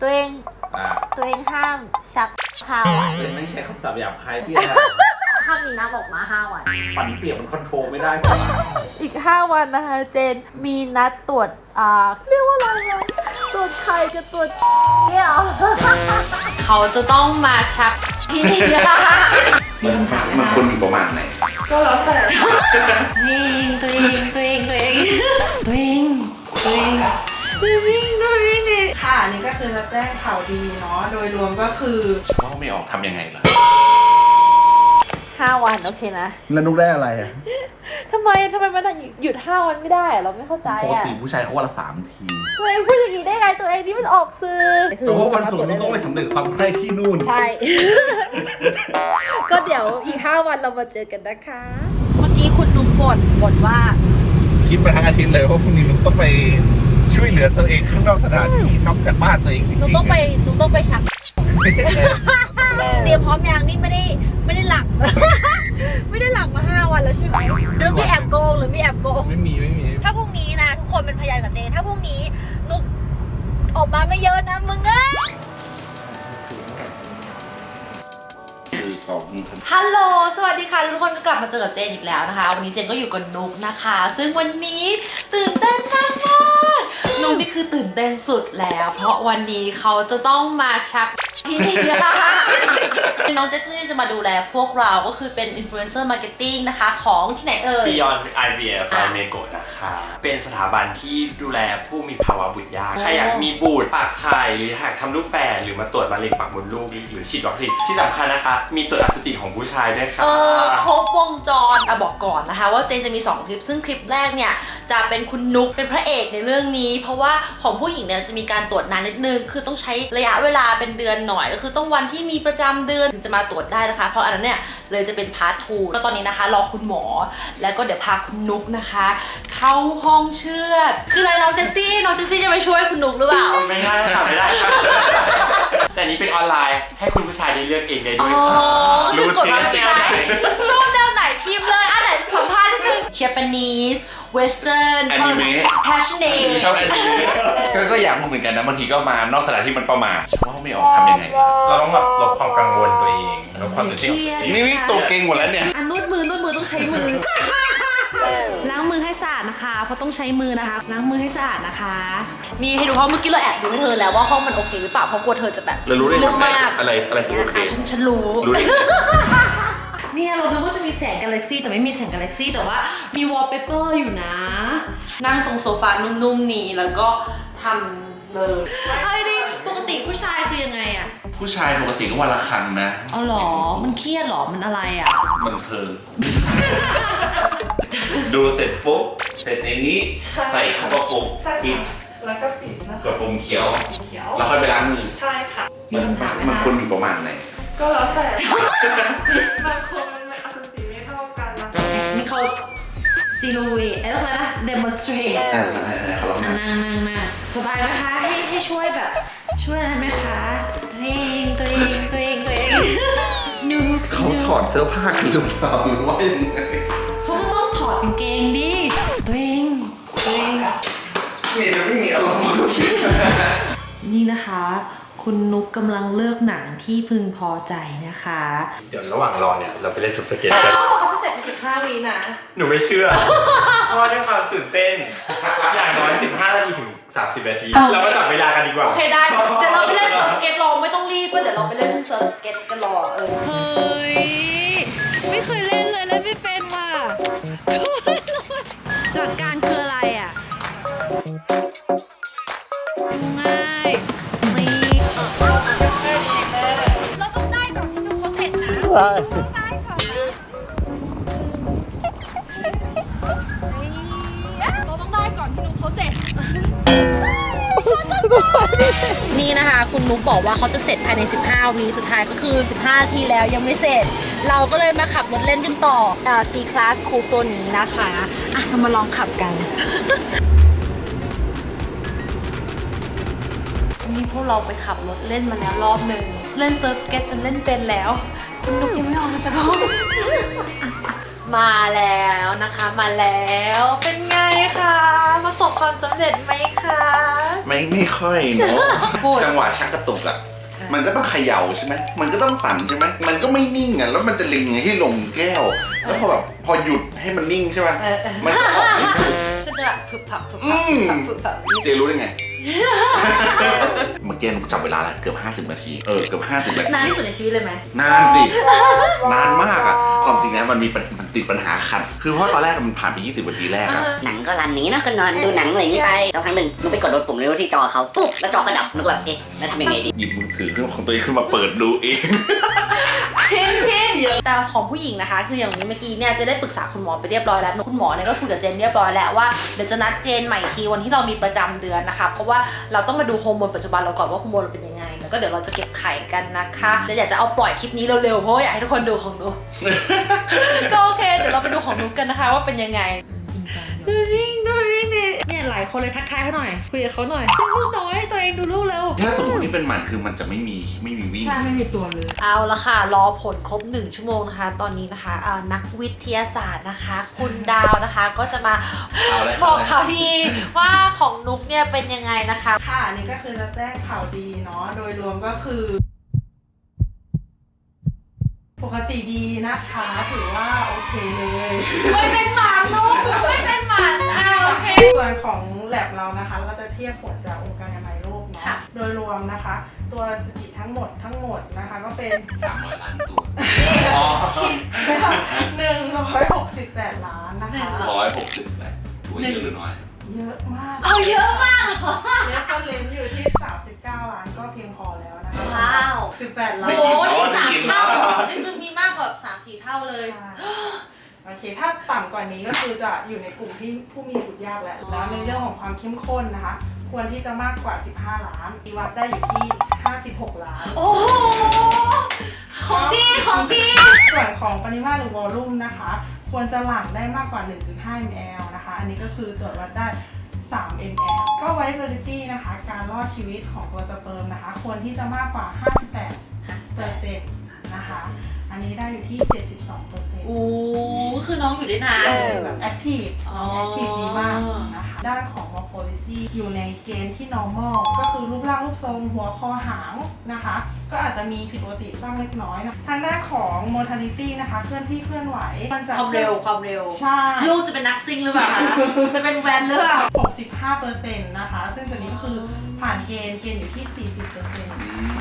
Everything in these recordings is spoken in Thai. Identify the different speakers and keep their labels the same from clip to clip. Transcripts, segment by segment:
Speaker 1: ตัวเอง
Speaker 2: อ่า
Speaker 1: ตัวเองห้ามชัก5 วัน
Speaker 2: ไม่ใช่คำศัพท์หยาบคายที่
Speaker 1: ห้ามมีน้ำออกมา5 วัน
Speaker 2: ฝันเปียกมันคอนโทรลไม่ได้
Speaker 1: อีก5 วันนะคะเจนมีนัดตรวจเรียกว่าอะไรอะตรวจไข่กับตรวจเนี่ยเขาจะต้องมาชักที่นี่
Speaker 3: มันควรอยู่ประมาณไหน
Speaker 1: ก็แล้วแต่ตัวเอง
Speaker 4: ค่ะนี่ก็คือจะแจ้งข่าวดีเนาะโดยรวมก็คือ
Speaker 3: ว่าไม่ออกทำยังไงล่ะ
Speaker 1: 5 วันโอเคนะ
Speaker 5: แล้วนุกได้อะไรอ่ะ
Speaker 1: ทำไมมันหยุด5 วันไม่ได้อะเราไม่เข้าใจ
Speaker 3: ปก
Speaker 1: อะ
Speaker 3: ติผู้ชายเขาวันละ3 ที
Speaker 1: ตัวเองพูดอย่างนี้ได้ไงตัวเองนี่มันออกสื่อ
Speaker 2: เพราะว่าวันศุกร์ต้องไปสำเร็จความใคร่ที่นู่น
Speaker 1: ใช่ ก็เดี๋ยวอีก5 วันเรามาเจอกันนะคะ เมื่อกี้คุณนุ่มบ่นว่า
Speaker 5: คิดมาทั้งอาทิตย์เลยว่าพรุ่งนี้นุกต้องไปช่วยเหลือตัวเองข้างนอกสถานที่นอกจากบ้านตัวเองจริงๆ
Speaker 1: หนูต้องไปชัก เตรียมพร้อมยังนี่ไม่ได้หลัก ไม่ได้หลักมา5 วันแล้วใช่ไหมหรือมีแอบโกง
Speaker 5: ไม่มี
Speaker 1: ถ้าพรุ่งนี้นะทุกคนเป็นพยานกับเจนถ้าพรุ่งนี้นุกออกมาไม่เยอะนะมึงเอ้ย ฮัลโหล สวัสดีค่ะทุกคนก็กลับมาเจอกับเจนอีกแล้วนะคะ วันนี้เจนก็อยู่กับนุกนะคะ ซึ่งวันนี้ตื่นเต้นมากนุกนี่คือตื่นเต้นสุดแล้ว เพราะวันนี้เขาจะต้องมาชักที่นี่น้องเจสซี่จะมาดูแลพวกเราก็คือเป็นอินฟลูเอนเซอร์มาร์เก็ตติ้งนะคะของที่ไหนเอ่ย
Speaker 6: Beyond IVF เมโกะนะคะ เป็นสถาบันที่ดูแลผู้มีภาวะบุตรยาก ใครอยากมีบุตรฝากไข่หรืออยากทำลูกแฝดหรือมาตรวจมะเร็งปากมดลูกหรือฉีดวัคซีนที่สำคัญนะคะ มีตรวจอสุจิของผู้ชายด้วยค่ะ
Speaker 1: ครบวงจรบอกก่อนนะคะว่าเจนจะมี2 คลิปซึ่งคลิปแรกเนี่ยจะเป็นคุณนุกเป็นพระเอกในเรื่องนี้ เพราะว่าของผู้หญิงเนี่ยจะมีการตรวจนานนิดนึงคือต้องใช้ระยะเวลาเป็นเดือนหน่อยก็คือต้องวันที่มีประจำเดือนถึงจะมาตรวจได้นะคะเพราะอันนั้นเนี่ยเลยจะเป็นพาร์ท 2แล้วตอนนี้นะคะรอคุณหมอแล้วก็เดี๋ยวพาคุณนุกนะคะเข้าห้องเชือดคืออะไรน้องเจสซี่จะไปช่วยคุณนุกหรือเปล่า
Speaker 6: ไม่ได้ค่ะไม่ได้ค่ะแต่นี้เป็นออนไลน์ให้คุณผู้ชายได้เลือกเองได้ด้วยค่ะรู้จริงแนวไหน
Speaker 1: ชอบแนวไหนพิมพ์เลยอันไหนสัมภาษณ์นิดนึง Japanese Western
Speaker 3: อนิเมะ
Speaker 1: Passionate
Speaker 3: ชอบแอนิเมะก็อยากรู้เหมือนกันนะบางทีก็มานอกสถานที่มันประมาทว่าไม่ออกทำยังไง
Speaker 6: เราต้องแบบลดความกังวลตัวเองลดความตื่นเต้นของตัวเอง
Speaker 3: นี่ตัวเก่งหมดแล้วเนี่ย
Speaker 1: นวดมือต้องใช้มือ ล้างมือให้สะอาดนะคะเพราะต้องใช้มือนะคะล้างมือให้สะอาดนะคะนี่ให้ดูเพราะเมื่อกี้เราแอบดูให้เธอแล้วว่าห้องมันโอเคหรือเปล่าเพราะกลัวเธอจะแบบ
Speaker 6: เรารู้ได้
Speaker 1: ลึกมาก
Speaker 6: อะไรคือโอเค
Speaker 1: ฉันรู้
Speaker 6: รู้ได้
Speaker 1: เนี่ยเราดูว่าจะมีแสงกาแล็กซี่แต่ไม่มีแสงกาแล็กซี่แต่ว่ามีวอลเปเปอร์อยู่นะ นั่งตรงโซฟานุ่มๆนี่แล้วก็ทำเลยเอ้ยดิปกติผู้ชายคือยังไงอะ
Speaker 3: ผู้ชายปกติก็วันละครั้งนะ
Speaker 1: อ๋อหรอมันเครียดหรอมันอะไรอะ
Speaker 3: มันเทิง ดูเสร็จปุ๊บเสร็จในนี้ใส่เข้ากระปุกปิด
Speaker 4: แล้วก็ปิดนะ
Speaker 3: กระปุกเขียว
Speaker 4: เขียว
Speaker 3: แล้วค่อยไปล้างมือ
Speaker 4: ใช่ค่ะ
Speaker 1: มีคำถามไหม
Speaker 3: มัน
Speaker 1: คะ
Speaker 3: ควรอยู่ประมาณไหน
Speaker 4: ก็แล้วแต่บางคนมันอสุจิไม่เท่ากันนะ
Speaker 1: นี่เขาซีโรเวทอะไรนะ demonstrate
Speaker 3: เขาลอง
Speaker 1: นั่งสบายไหมคะให้ช่วยแบบช่วยอะไรไหมคะตัวเองสนุก
Speaker 3: เขาถอดเสื้อผ้ากันหรือเปล่าหรือว่ายังไง
Speaker 1: เขาก็ต้องถอดกางเกงดิตัวเอง
Speaker 3: นี่จะไม่มีอารมณ์
Speaker 1: นี่นะคะ คุณนุกกำลังเลือกหนังที่พึงพอใจนะคะ
Speaker 6: เดี๋ยวระหว่างรอเนี่ยเราไปเล่นสุดสเก็ตกัน
Speaker 1: เขาจะเสร็จใน15 วินะ
Speaker 6: หนูไม่เชื่อ เพราะว่าด้วยความตื่นเต้น อย่างน้อย 15 นาทีถึง 30 นาที เรามาจับเวลากันดีกว่า
Speaker 1: โอเคได้เดี๋ยวเราไปเล่นเซิร์ฟสเก็ตรอไม่ต้องรีบก็เดี๋ยวเราไปเล่นเซิร์ฟสเก็ตกันรอเฮ้ยไม่เคยเล่นเลยเล่นไม่เป็นว่ะหลักการคืออะไรอ่ะง่ายนี่เราต้องได้ก่อนที่นุ๊กเขาเสร็จนะได้ค่ะเราต้องได้ก่อนที่นุ๊กเขาเสร็จนี่นะคะคุณนุ๊กบอกว่าเขาจะเสร็จภายใน15 วิสุดท้ายก็คือ15 นาทีแล้วยังไม่เสร็จ เราก็เลยมาขับรถเล่นกันต่อC Class Coupe ตัวนี้นะคะเรามาลองขับกัน นี่พวกเราไปขับรถเล่นมาแล้วรอบหนึ่งเล่นเซิร์ฟสเก็ตจนเล่นเป็นแล้วคุณนุ๊กยังไม่ออกมาจากห้องมาแล้วนะคะมาแล้วเป็นไงคะประสบความสำเร็จไหมคะ
Speaker 3: ไม่ค่อยเนาะ
Speaker 1: พูด
Speaker 3: จังหวะชักกระตุกอ่ะมันก็ต้องเขย่าใช่ไหมมันก็ต้องสั่นใช่ไหมมันก็ไม่นิ่งอ่ะแล้วมันจะเล็งให้ลงแก้ว แล้วพอหยุดให้มันนิ่งใช่ไหมมันก็ออกไม่สุด
Speaker 1: ก็จะแบบผึบผับผึบผับผึบผับผึบผับ
Speaker 3: เจรู้ได้ไง เมื่อกี้หนูจับเวลาแล้วเกือบ50 นาทีเกือบ50 นาที
Speaker 1: นานที่สุดในชีวิตเลยไหม
Speaker 3: นานสิ นานมากอ่ะความจริงแล้วมันติดปัญหาขัดคือเพราะตอนแรกมันผ่านไป20 นาทีแรกอะ
Speaker 7: หนังก็รันอย่างนี้เนอะก็นอนดูหนังอะไรอย่างนี้ไปสักพักหนึ่งนุกไปกดโดนปุ่มเร็วที่จอเขาปุ๊บแล้วจอก็ดับนุกแบบเอ๊ะแล้วทำยังไงดี
Speaker 3: หยิบมือถือของตัวเองขึ้นมาเปิดดูเอง
Speaker 1: ชินแต่ของผู้หญิงนะคะ คืออย่างเมื่อกี้เนี่ยจะได้ปรึกษาคุณหมอไปเรียบร้อยแล้วคุณหมอเนี่ยก็คุยกับเจนเรียบร้อยแล้วว่าเดี๋ยวจะนัดเจนใหม่อีกทีวันที่เรามีประจำเดือนนะคะเพราะว่าเราต้องมาดูฮอร์โมนปัจจุบันเราก่อนว่าฮอร์โมนเราเป็นยังไงแล้วก็เดี๋ยวเราจะเก็บไข่กันนะคะแต่อยากจะเอาปล่อยคลิปนี้เร็วๆเพราะว่าอยากให้ทุกคนดูของนุ๊ก ก็โอเคเดี๋ยวเราไปดูของนุ๊กกันนะคะว่าเป็นยังไงดูริ่งเนี่ยหลายคนเลยทักทายเขาหน่อยคุยกับเขาหน่อยลูกน้อยตัวเองดูลูกแล้ว
Speaker 3: ถ้าสมมตินี่เป็นหมันคือมันจะไม่มีวิ่ง
Speaker 4: ใช่ไม่มีตัวเลย
Speaker 1: เอาละค่ะรอผลครบ1 ชั่วโมงนะคะตอนนี้นะคะนักวิทยาศาสตร์นะคะ คุณดาวนะคะก็จะมาบอกข่าวดีว่าของนุ๊กเนี่ยเป็นยังไงนะคะ
Speaker 4: ค่ะอันนี้ก็คือจะแจ้งข่าวดีเนาะโดยรวมก็คือ ปกติดีนะคะถือว่าโอเคเลย
Speaker 1: ไม่เป็นหมันนุ๊กไม่เป็นหมันโอเค
Speaker 4: ส่วนของแลบเรานะคะเราจะเทียบผลจากองค์การอนามัยโลกเนาะ
Speaker 1: ค่ะ
Speaker 4: โดยรวมนะคะ ตัวสถิติทั้งหมดนะคะก็เป็น
Speaker 3: 300 ล้านตัว
Speaker 4: 168 ล้านนะคะ
Speaker 3: 160แหละตัวเยอะหรือน้อย
Speaker 4: เยอะมาก
Speaker 1: เอาเยอะมาก
Speaker 4: เรฟเฟอร์เรนซ์อยู่ที่ 39 ล้านก็เพียงพอแล้วนะคะ
Speaker 1: ว้าว
Speaker 4: 18 ล้า
Speaker 1: โอ้
Speaker 4: น
Speaker 1: โหนี่3 เท่านี่คือมีมากกว่า3-4 เท่าเลย
Speaker 4: โอเค ถ้าต่ำกว่านี้ก็คือจะอยู่ในกลุ่มที่ผู้มีบุตรยากแล้ว แล้วในเรื่องของความเข้มข้นนะคะ ควรที่จะมากกว่า 15 ล้านมีวัดได้อยู่ที่ 56 ล้าน
Speaker 1: โอ้โหของดี
Speaker 4: ส่วนของปริมาตรหรือวอลลุ่มนะคะ ควรจะหลั่งได้มากกว่า 1.5 ml นะคะ อันนี้ก็คือตรวจวัดได้ 3 ml ก็ viability นะคะ การรอดชีวิตของตัวสเปิร์มนะคะ ควรที่จะมากกว่า 58% นะคะ อันนี้ได้อยู่ที่ 72%
Speaker 1: โอ้คือน้องอยู่ได้นาน
Speaker 4: แบบแอคทีฟ
Speaker 1: อ๋อ
Speaker 4: แอคทีฟดีมากนะคะ ด้านของ morphology อยู่ในเกณฑ์ที่ normal ก็คือรูปร่างรูปทรงหัวคอหางนะคะ ก็อาจจะมีผิดปกติบ้างเล็กน้อยนะทางด้านของ mortality นะคะ เคลื่อนที่เคลื่อนไหวมันจะ
Speaker 1: ความเร็ว
Speaker 4: ใช่
Speaker 1: ลูกจะเป็นนักซิ่งหรือเปล่าคะ จะเป็นแวนหรือเปล่า
Speaker 4: 65% นะคะ ซึ่งตัวนี้ก็คือผ่านเกณฑ์อยู่ที่ 40%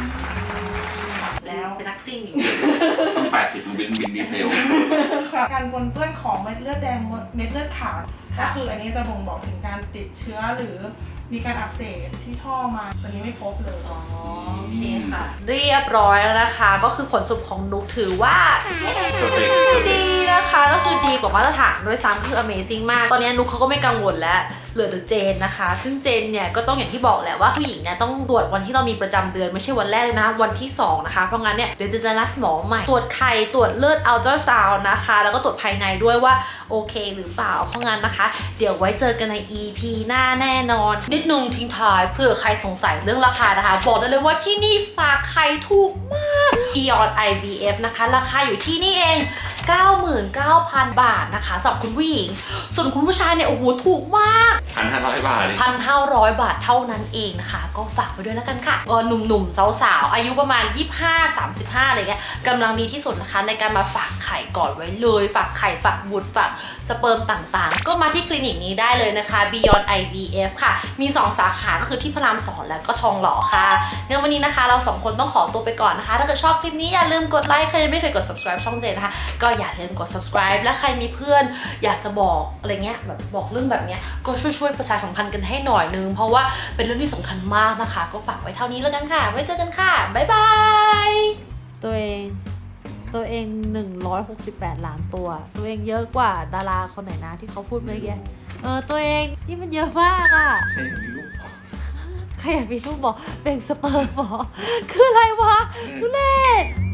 Speaker 4: แล้ว
Speaker 1: เป็นนักซิ่งอยู่
Speaker 3: ต้อง80มันเป็นวินดีเซล
Speaker 4: การปนเปื้อนของเม็ดเลือดแดงเม็ดเลือดขาวก็คืออันนี้จะบ่งบอกถึงการติดเชื้อหรือมีการอักเสบที่ท่อมาตัวนี้ไม่พบเลย
Speaker 1: โอเคค่ะ เรียบร้อยแล้วนะคะ ก็คือผลสรุปของนุกถือว่า
Speaker 3: perfect
Speaker 1: ดีนะคะ ก็คือดีกว่ามาตรฐานด้วยซ้ำคือ amazing มาก ตอนนี้นุกเขาก็ไม่กังวลแล้วเหลือแต่เจนนะคะ ซึ่งเจนเนี่ยก็ต้องอย่างที่บอกแหละว่าผู้หญิงเนี่ยต้องตรวจวันที่เรามีประจำเดือนไม่ใช่วันแรกเลยนะวันที่2นะคะเพราะงั้นเนี่ยเดี๋ยวจะนัดหมอใหม่ตรวจไข่ตรวจเลือดอัลตราซาวน์นะคะแล้วก็ตรวจภายในด้วยว่าโอเคหรือเปล่าเพราะงั้นนะคะ เดี๋ยวไว้เจอกันใน EP หน้าแน่นอนนิดนึงทิ้งท้ายเผื่อใครสงสัยเรื่องราคานะคะบอกได้เลยว่าที่นี่ฝากไข่ถูกมาก Beyond IVF นะคะราคาอยู่ที่นี่เอง 99,000 บาทนะคะสำหรับคุณผู้หญิงส่วนคุณผู้ชายเนี่ยโอ้โหถูกมาก
Speaker 3: 1,500 บาทเลย
Speaker 1: 1,500 บาทเท่านั้นเองนะคะก็ฝากไว้ด้วยแล้วกันค่ะก็หนุ่มๆสาวๆอายุประมาณ 25-35 อะไรเงี้ยกำลังดีที่สุดนะคะในการมาฝากไข่ก่อนไว้เลยฝากไข่ฝากบุตรฝากสเปิร์มต่างๆก็มาที่คลินิกนี้ได้เลยนะคะ Beyond IVF ค่ะมี2สาขาก็คือที่พระราม2แล้วก็ทองหล่อค่ะงั้นวันนี้นะคะเรา2คนต้องขอตัวไปก่อนนะคะถ้าเกิดชอบคลิปนี้อย่าลืมกดไลค์ใครยังไม่เคยกด subscribe ช่องเจนนะคะก็อย่าลืมกด subscribe และใครมีเพื่อนอยากจะบอกอะไรเงี้ยแบบบอกเรื่องแบบเนี้ยก็ช่วยประชาสัมพันธ์กันให้หน่อยนึงเพราะว่าเป็นเรื่องที่สำคัญมากนะคะก็ฝากไว้เท่านี้แล้วกันค่ะไว้เจอกันค่ะบ๊ายบายตัวเอง168 ล้านตัวตัวเองเยอะกว่าดาราคนไหนนะที่เขาพูดเมื่อกี้ตัวเองนี่มันเยอะมากอ่ะใครอยากมีลูกบอกเป็นสเปิร์มบอกคืออะไรวะทุเรศ